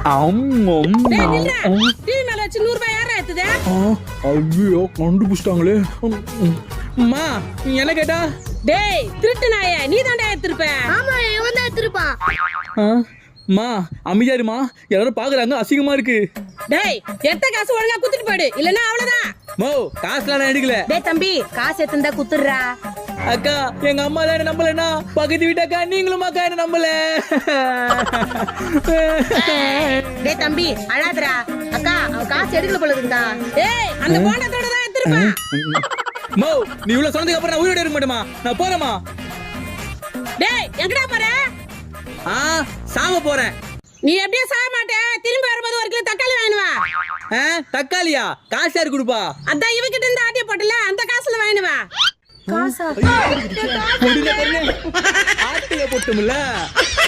ஐயோ கண்டுபிடிச்சிட்டாங்களே. அம்மா என்ன கேட்டா? டேய் திருட்டு நாயே, நீ தான்டா எடுத்துருப்ப. ஆமா இவன் தான் எடுத்துருப்பான். மா அமைதியாருமா, எல்லாரும் பாக்குறாங்க, அசிங்கமா இருக்கு. டேய் எத்த காசு ஒழுங்கா குத்துட்டு போயிடு, இல்லன்னா அவ்வளவுதான். மோ காசுலாம் நான் எடுக்கல. டேய் தம்பி காசு எடுத்துந்தா குத்துறா. அக்கா எங்க அம்மா தான் என்ன நம்பலன்னா பக்கத்து வீட்டக்கா நீங்களும் அக்கா என்ன நம்பல. டேய் தம்பி அழாதடா. அக்கா அவ காசு எடுக்கல போல இருக்குடா. ஏய் அந்த போண்டத்தோட தான் எடுத்துருப்பா. மோ நீ இவ்வளவு சொன்னதுக்கு அப்புறம் நான் உயிரோட இருக்க மாட்டேமா, நான் போறேமா. டேய் எங்கடா போற? சாம போறேன். நீ எப்படியே சாக மாட்டே, திரும்பி வரும்போது ஒரு கிலோ தக்காளி வாங்கினுவா. தக்காளியா? காசு யாரு கொடுப்பா? அதான் இவகிட்ட இருந்து ஆட்டிய போட்டல, அந்த காசுல வாங்கினுவா. காசா? ஆட்டிய போட்டும்ல.